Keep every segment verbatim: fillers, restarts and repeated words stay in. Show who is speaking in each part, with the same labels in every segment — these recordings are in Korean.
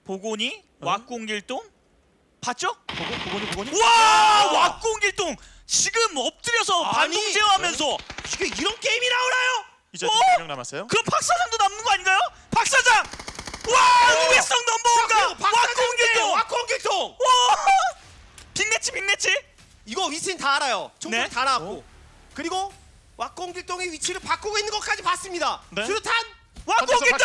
Speaker 1: 보고니
Speaker 2: 어?
Speaker 1: 왁공길동 봤죠?
Speaker 2: 보고 보고니 보고니.
Speaker 1: 와 왁공길동 지금 엎드려서
Speaker 2: 아니,
Speaker 1: 반동 제어하면서
Speaker 2: 이게 이런 게임이 나오나요? 이제
Speaker 1: 어?
Speaker 2: 두 명 남았어요.
Speaker 1: 그럼 박사장도 남는 거 아닌가요? 박사장! 와
Speaker 2: 어.
Speaker 1: 우회성 넘버원가 왁공길동!
Speaker 2: 왁공길동.
Speaker 1: 와 빅매치 빅매치!
Speaker 2: 이거 위치는 다 알아요. 총소리
Speaker 1: 네.
Speaker 2: 다 나왔고. 그리고 왁공길동의 위치를 바꾸고 있는 것까지 봤습니다.
Speaker 1: 네.
Speaker 2: 수류탄.
Speaker 1: 왁공길동!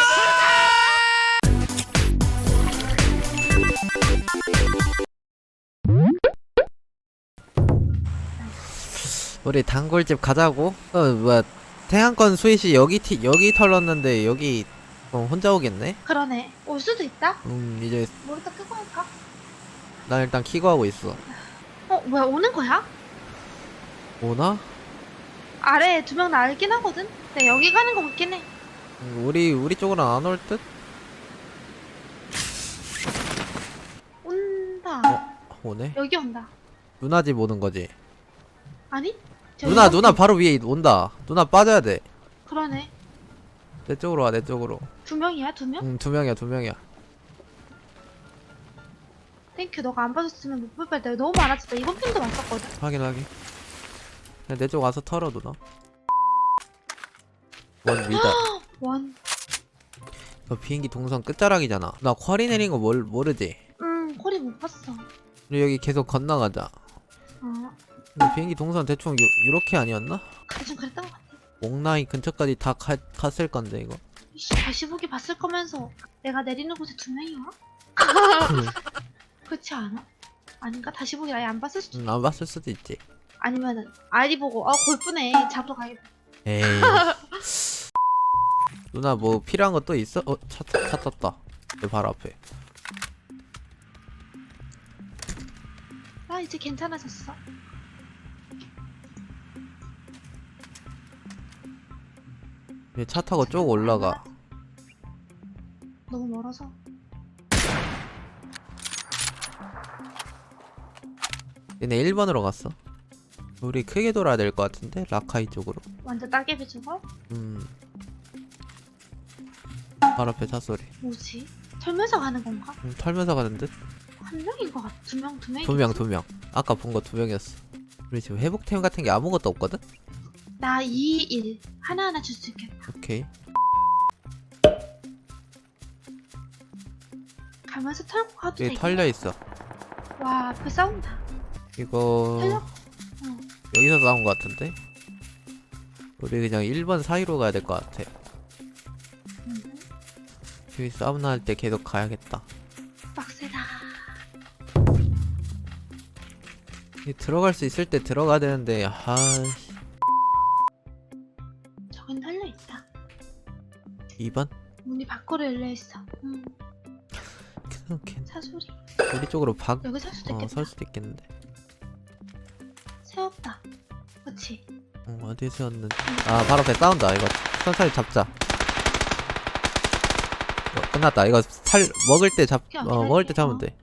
Speaker 3: 우리 단골집 가자고? 어 뭐야 태양권 스윗이 여기 티, 여기 털렀는데 여기 어, 혼자 오겠네?
Speaker 4: 그러네. 올 수도 있다.
Speaker 3: 음 이제
Speaker 4: 모니터 끄고 할까?
Speaker 3: 난 일단 키고 하고 있어.
Speaker 4: 어, 뭐야, 오는 거야?
Speaker 3: 오나?
Speaker 4: 아래에 두 명 날긴 하거든? 근데 여기 가는 거 같긴 해.
Speaker 3: 음, 우리 우리 쪽으로 안 올 듯?
Speaker 4: 온다.
Speaker 3: 어? 오네?
Speaker 4: 여기 온다.
Speaker 3: 누나 집 오는 거지?
Speaker 4: 아니? 저기
Speaker 3: 누나
Speaker 4: 옆에-
Speaker 3: 누나 바로 위에 온다. 누나 빠져야 돼.
Speaker 4: 그러네.
Speaker 3: 내 쪽으로 와 내 쪽으로.
Speaker 4: 두 명이야, 두 명?
Speaker 3: 응 두 명이야 두 명이야.
Speaker 4: 땡큐, 너가 안 봐줬으면 못 볼 뻔했다. 너무 많아졌다. 이번 편도 왔었거든.
Speaker 3: 확인 확인. 내 쪽 와서 털어 누나. 원 위다.
Speaker 4: 원.
Speaker 3: 너 비행기 동선 끝자락이잖아. 나 쿼리 내린 거 뭘 모르지?
Speaker 4: 음, 코리 못 봤어.
Speaker 3: 우리 여기 계속 건너가자.
Speaker 4: 어,
Speaker 3: 근데 비행기 동선 대충 요, 요렇게 아니었나?
Speaker 4: 대충 그랬던 것 같아.
Speaker 3: 옥라인 근처까지 다 가, 갔을 건데 이거.
Speaker 4: 이씨, 다시 보기 봤을 거면서 내가 내리는 곳에 두 명이 와? 그렇지 않아? 아닌가? 다시 보기 아예 안 봤을 수도
Speaker 3: 응, 안 봤을 수도 있지.
Speaker 4: 아니면은 아이디 보고 어 골프네 잡으러 가야겠다.
Speaker 3: 에이. 누나 뭐 필요한 거 또 있어? 어? 차, 차 떴다. 내 바로 앞에.
Speaker 4: 나 이제 괜찮아졌어.
Speaker 3: 얘 차 타고 쭉 올라가.
Speaker 4: 너무 멀어서.
Speaker 3: 얘네 일 번으로 갔어. 우리 크게 돌아야 될 것 같은데? 라카이 쪽으로.
Speaker 4: 완전 따개비 주고.
Speaker 3: 음. 바로 앞에 차 소리.
Speaker 4: 뭐지? 털면서 가는 건가?
Speaker 3: 음, 털면서 가는 듯?
Speaker 4: 한 명인 것 같아. 두 명, 두 명.
Speaker 3: 두 명, 두 명. 아까 본 거 두 명이었어. 우리 지금 회복템 같은 게 아무것도 없거든?
Speaker 4: 나 이, 일 하나하나 줄 수 있겠다.
Speaker 3: 오케이.
Speaker 4: 가면서 털고 가도
Speaker 3: 여기
Speaker 4: 되겠다.
Speaker 3: 털려 있어.
Speaker 4: 와, 앞에 싸운다.
Speaker 3: 이거
Speaker 4: 털려? 어.
Speaker 3: 여기서 싸운 것 같은데? 우리 그냥 일 번 사이로 가야 될 것 같아.
Speaker 4: 음,
Speaker 3: 여기 싸움나 할 때 계속 가야겠다.
Speaker 4: 빡세다.
Speaker 3: 이 들어갈 수 있을 때 들어가야 되는데 아이씨.
Speaker 4: 저긴 털려 있다.
Speaker 3: 이 번?
Speaker 4: 문이 밖으로 열려 있어. 음,
Speaker 3: 그냥 괜-
Speaker 4: 사소리.
Speaker 3: 우리 쪽으로 박,
Speaker 4: 여기 설 수도
Speaker 3: 어,
Speaker 4: 있겠다.
Speaker 3: 설 수도 있겠는데.
Speaker 4: 세웠다. 그치?
Speaker 3: 어, 어디에 세웠는지. 아, 바로 앞에 싸운다. 이거 천천히 잡자. 어, 끝났다. 이거 살, 먹을 때 잡,
Speaker 4: 그냥
Speaker 3: 어, 먹을 때
Speaker 4: 기다릴게.
Speaker 3: 잡으면 돼.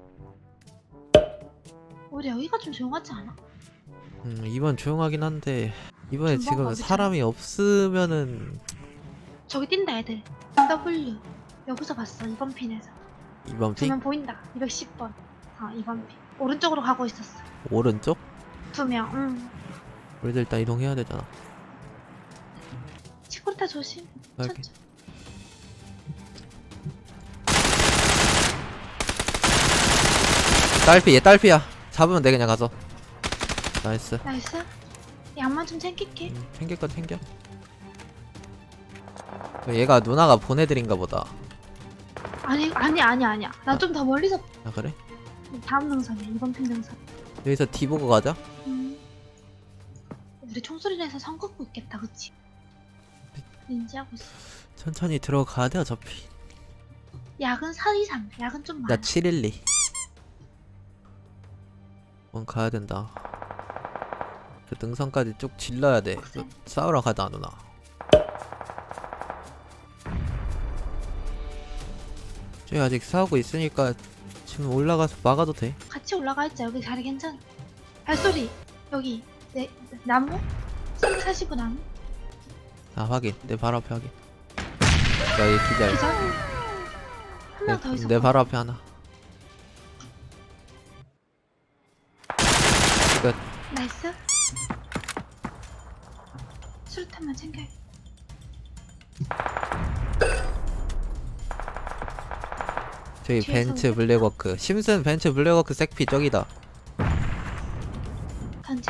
Speaker 4: 우리 여기가 좀 조용하지 않아?
Speaker 3: 음, 이번 조용하긴 한데, 이번에
Speaker 4: 금방
Speaker 3: 지금
Speaker 4: 가보자.
Speaker 3: 사람이 없으면은,
Speaker 4: 저기 뛴다 애들. W. 여기서 봤어. 이번 핀에서.
Speaker 3: 이번 핑?
Speaker 4: 두명 보인다. 이백십 번. 어, 이번 핀. 오른쪽으로 가고 있었어.
Speaker 3: 오른쪽?
Speaker 4: 두 명. 응.
Speaker 3: 우리도 일단 이동해야 되잖아.
Speaker 4: 치쿠르타 조심.
Speaker 3: 알게.
Speaker 4: 천천히.
Speaker 3: 딸피, 얘 딸피야. 잡으면 돼, 그냥 가서. 나이스.
Speaker 4: 나이스. 양만 좀 챙길게.
Speaker 3: 음, 챙길 거 챙겨. 얘가 누나가 보내드린가 보다.
Speaker 4: 아니 아니 아니 아니야. 나 좀 더 멀리서
Speaker 3: 아, 그래?
Speaker 4: 다음 능선이야. 이번 핀 능선.
Speaker 3: 여기서 D 보고 가자.
Speaker 4: 음. 우리 총소리 내서 선 긋고 있겠다. 그치? 인지하고 있어.
Speaker 3: 천천히 들어가야 돼, 어차피.
Speaker 4: 약은 사 이상. 약은 좀 많아.
Speaker 3: 나 칠일이. 원 가야 된다. 그 능선까지 쭉 질러야 돼.
Speaker 4: 그래.
Speaker 3: 싸우러 가자, 누나. 저기 아직 싸우고 있으니까 지금 올라가서 막아도 돼.
Speaker 4: 같이 올라가 있자. 여기 자리 괜찮아. 발소리. 여기. 내 나무? 삼백사십오 나무?
Speaker 3: 아, 확인. 내 바로 앞에 확인. 야, 얘 기다려.
Speaker 4: 기절. 한 한 명 더 있어.
Speaker 3: 내 바로 앞에 하나. 끝.
Speaker 4: 나이스. 수류탄만 챙겨.
Speaker 3: 저기
Speaker 4: 뒤에서
Speaker 3: 벤츠
Speaker 4: 오겠다.
Speaker 3: 블랙워크. 심슨 벤츠 블랙워크 색피 저기다.
Speaker 4: 던질.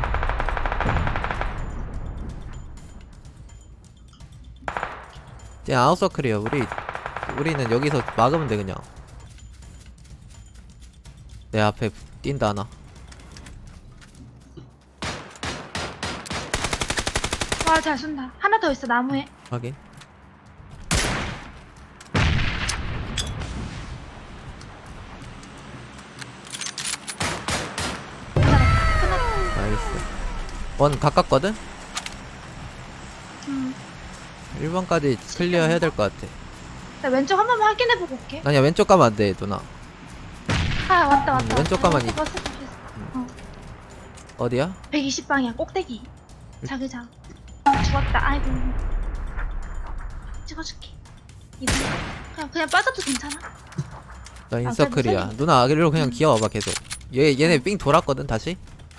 Speaker 3: 쟤 아웃서클이야. 우리 우리는 여기서 막으면 돼 그냥. 내 앞에 뛴다 하나.
Speaker 4: 와, 잘 쏜다. 하나 더 있어, 나무에.
Speaker 3: 확인.
Speaker 4: 기다렸다. 끝났다.
Speaker 3: 나이스. 원 가깝거든?
Speaker 4: 음.
Speaker 3: 일 번까지 클리어 해야 될 것 같아.
Speaker 4: 나 왼쪽 한 번만 확인해보고 올게.
Speaker 3: 아니야 왼쪽 가면 안 돼 누나.
Speaker 4: 아, 왔다, 왔다.
Speaker 3: 음, 왼쪽
Speaker 4: 왔다.
Speaker 3: 가만히.
Speaker 4: 버스, 버스, 버스. 어.
Speaker 3: 어디야?
Speaker 4: 백이십 방향 꼭대기. 자기장. 죽었다. 아이고. 찍어줄게. 이거 그냥 그냥 빠져도 괜찮아.
Speaker 3: 나
Speaker 4: 아,
Speaker 3: 인서클이야.
Speaker 4: 그래도
Speaker 3: 누나 아기로 그냥
Speaker 4: 음.
Speaker 3: 기어와봐 계속. 얘 얘네 삥 돌았거든 다시.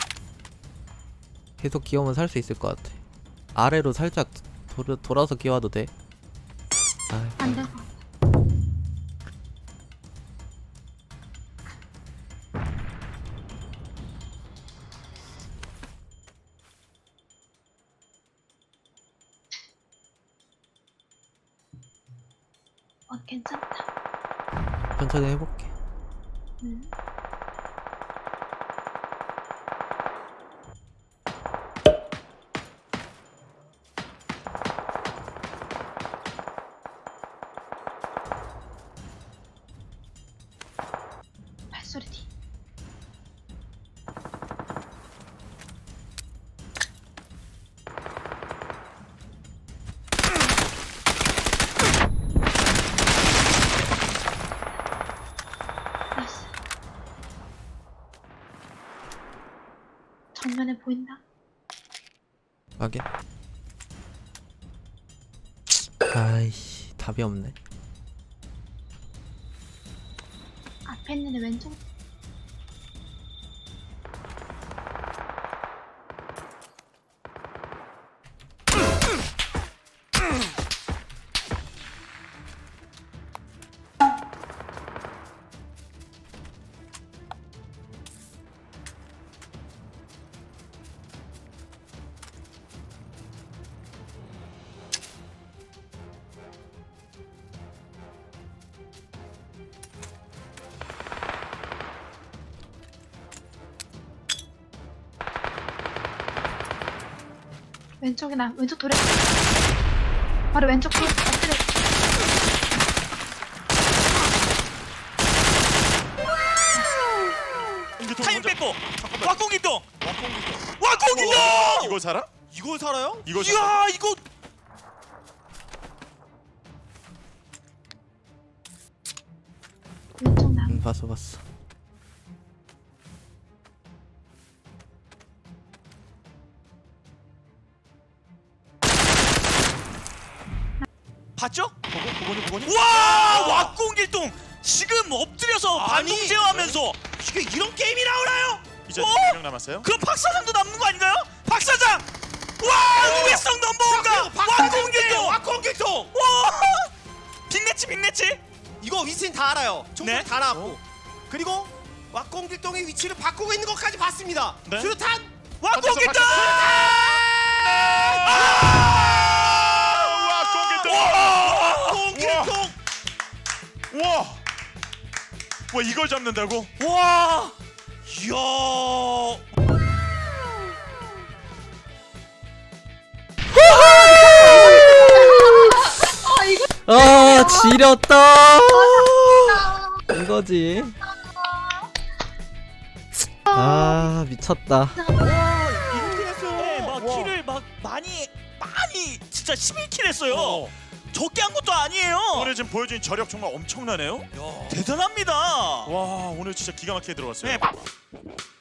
Speaker 3: 계속 기어오면 살 수 있을 것 같아. 아래로 살짝 돌, 돌아서 기어와도 돼. 아,
Speaker 4: 안 될 것 같아. 어, 괜찮다.
Speaker 3: 천천히 해볼게.
Speaker 4: 음. 발소리 뒤. 나이스. 정면에 보인다.
Speaker 3: 확인. 아이씨 답이 없네.
Speaker 4: 앞에 있는 애 왼쪽. 왼쪽이나 왼쪽 돌에. 바로 왼쪽 돌 엎드려.
Speaker 1: 타임 뺏고 왁공기동
Speaker 2: 왁공기동.
Speaker 1: 왁공기동
Speaker 5: 이거 살아?
Speaker 2: 이걸 살아요?
Speaker 5: 이거 살아?
Speaker 1: 이야 이거
Speaker 4: 왼쪽 나.
Speaker 3: 응 봤어 봤어.
Speaker 1: 봤죠?
Speaker 5: 보고 보고니 보고니?
Speaker 1: 와 왁공길동 지금 엎드려서
Speaker 2: 아니.
Speaker 1: 반동 제어하면서
Speaker 2: 이게 이런 게임이 나오나요?
Speaker 5: 이제
Speaker 1: 어?
Speaker 5: 두 명 남았어요.
Speaker 1: 그럼 박사장도 남는 거 아닌가요? 박사장! 와 우회성 넘버원가 왁공길동!
Speaker 2: 왁공길동.
Speaker 1: 와 빅매치 빅매치
Speaker 2: 이거 위치는 다 알아요. 총소리
Speaker 1: 네.
Speaker 2: 다 나왔고. 그리고 왁공길동의 위치를 바꾸고 있는 것까지 봤습니다.
Speaker 5: 네.
Speaker 2: 수류탄.
Speaker 1: 왁공길동!
Speaker 5: 박사,
Speaker 1: 아!
Speaker 2: 왁공길동.
Speaker 5: 우와! 와 이걸 잡는다고?
Speaker 1: 와
Speaker 2: 이야.
Speaker 3: 아 지렸다. 이거지. 아 미쳤다.
Speaker 2: 이렇게 했어요.
Speaker 1: 네, 막
Speaker 2: 와.
Speaker 1: 킬을 막 많이 많이 진짜 십일 킬 했어요.
Speaker 5: 어.
Speaker 1: 적게 한 것도 아니에요.
Speaker 5: 오늘 지금 보여준 저력 정말 엄청나네요.
Speaker 1: 대단합니다.
Speaker 5: 와 오늘 진짜 기가 막히게 들어갔어요.
Speaker 1: 네.